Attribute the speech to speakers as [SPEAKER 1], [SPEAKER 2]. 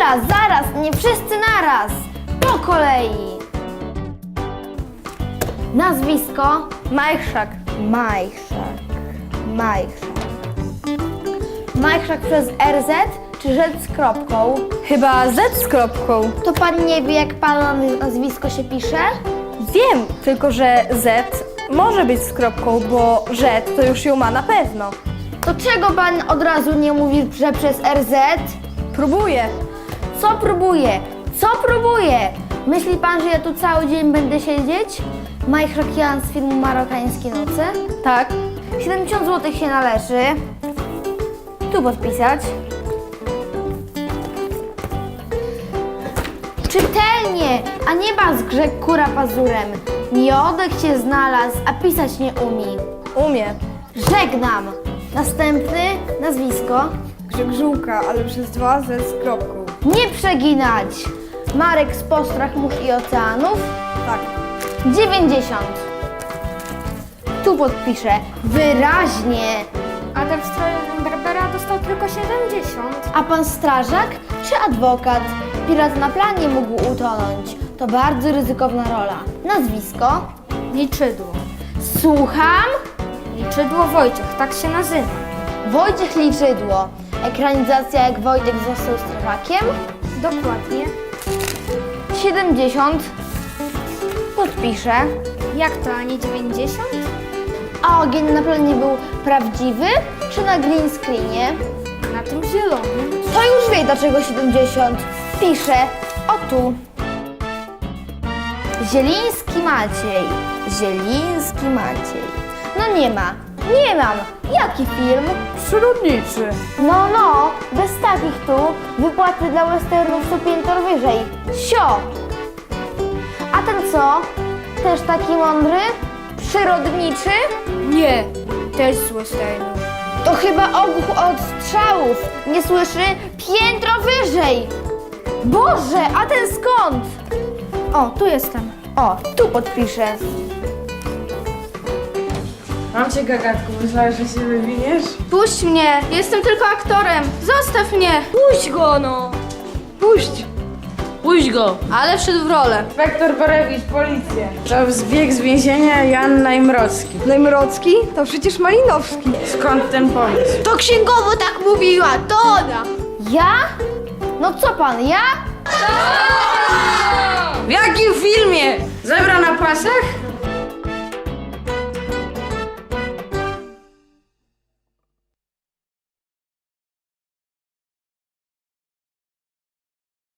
[SPEAKER 1] zaraz, nie wszyscy naraz. Po kolei. Nazwisko?
[SPEAKER 2] Majchrzak.
[SPEAKER 1] Majchrzak. Majchrzak przez RZ czy Z z kropką?
[SPEAKER 2] Chyba Z z kropką.
[SPEAKER 1] To pan nie wie, jak pana nazwisko się pisze?
[SPEAKER 2] Wiem, tylko że Z może być z kropką, bo Z to już ją ma na pewno.
[SPEAKER 1] To czego pan od razu nie mówi, że przez RZ?
[SPEAKER 2] Próbuję.
[SPEAKER 1] Co próbuje? Co próbuje? Myśli pan, że ja tu cały dzień będę siedzieć? Majchrzak Jan z filmu Marokańskie Noce?
[SPEAKER 2] Tak.
[SPEAKER 1] 70 zł się należy. Tu podpisać. Czytelnie, a nie bazgrzeg kura pazurem. Miodek się znalazł, a pisać nie umie.
[SPEAKER 2] Umie.
[SPEAKER 1] Żegnam. Następny nazwisko.
[SPEAKER 2] Grzegżółka, ale przez 2 Z z kropką.
[SPEAKER 1] Nie przeginać. Marek z Postrach Mórz i Oceanów.
[SPEAKER 2] Tak.
[SPEAKER 1] 90. Tu podpiszę. Wyraźnie.
[SPEAKER 3] A ten w stroju Berbera dostał tylko 70.
[SPEAKER 1] A pan strażak czy adwokat? Pirat na planie mógł utonąć. To bardzo ryzykowna rola. Nazwisko?
[SPEAKER 3] Liczydło.
[SPEAKER 1] Słucham?
[SPEAKER 3] Liczydło Wojciech, tak się nazywa.
[SPEAKER 1] Wojciech Liczydło. Ekranizacja jak Wojtek został strażakiem.
[SPEAKER 3] Dokładnie.
[SPEAKER 1] 70. Podpiszę.
[SPEAKER 3] Jak to, a nie 90?
[SPEAKER 1] A ogień na planie był prawdziwy czy na green screenie?
[SPEAKER 3] Na tym zielonym.
[SPEAKER 1] To już wie, dlaczego 70. Piszę. O tu. Zieliński Maciej. Zieliński Maciej. No nie ma. Nie mam. Jaki film?
[SPEAKER 2] Przyrodniczy.
[SPEAKER 1] No, bez takich tu wypłaty dla westernów są piętro wyżej. Sio! A ten co? Też taki mądry? Przyrodniczy?
[SPEAKER 3] Nie, też z westernu.
[SPEAKER 1] To chyba ogłuch od strzałów. Nie słyszy? Piętro wyżej! Boże, a ten skąd?
[SPEAKER 3] O, tu jestem.
[SPEAKER 1] O, tu podpiszę.
[SPEAKER 4] Mam cię, gagatku, myślałeś, że się wywiniesz?
[SPEAKER 3] Puść mnie, jestem tylko aktorem. Zostaw mnie.
[SPEAKER 2] Puść go, no.
[SPEAKER 4] Puść! Puść go!
[SPEAKER 3] Ale wszedł w rolę.
[SPEAKER 4] Inspektor Borewicz, policja. To zbieg z więzienia Jan Najmrocki.
[SPEAKER 2] Najmrocki? To przecież Malinowski.
[SPEAKER 4] Skąd ten pomysł?
[SPEAKER 1] To księgowo tak mówiła, to ona! Ja? No co pan, ja?
[SPEAKER 4] W jakim filmie? Zebra na pasach?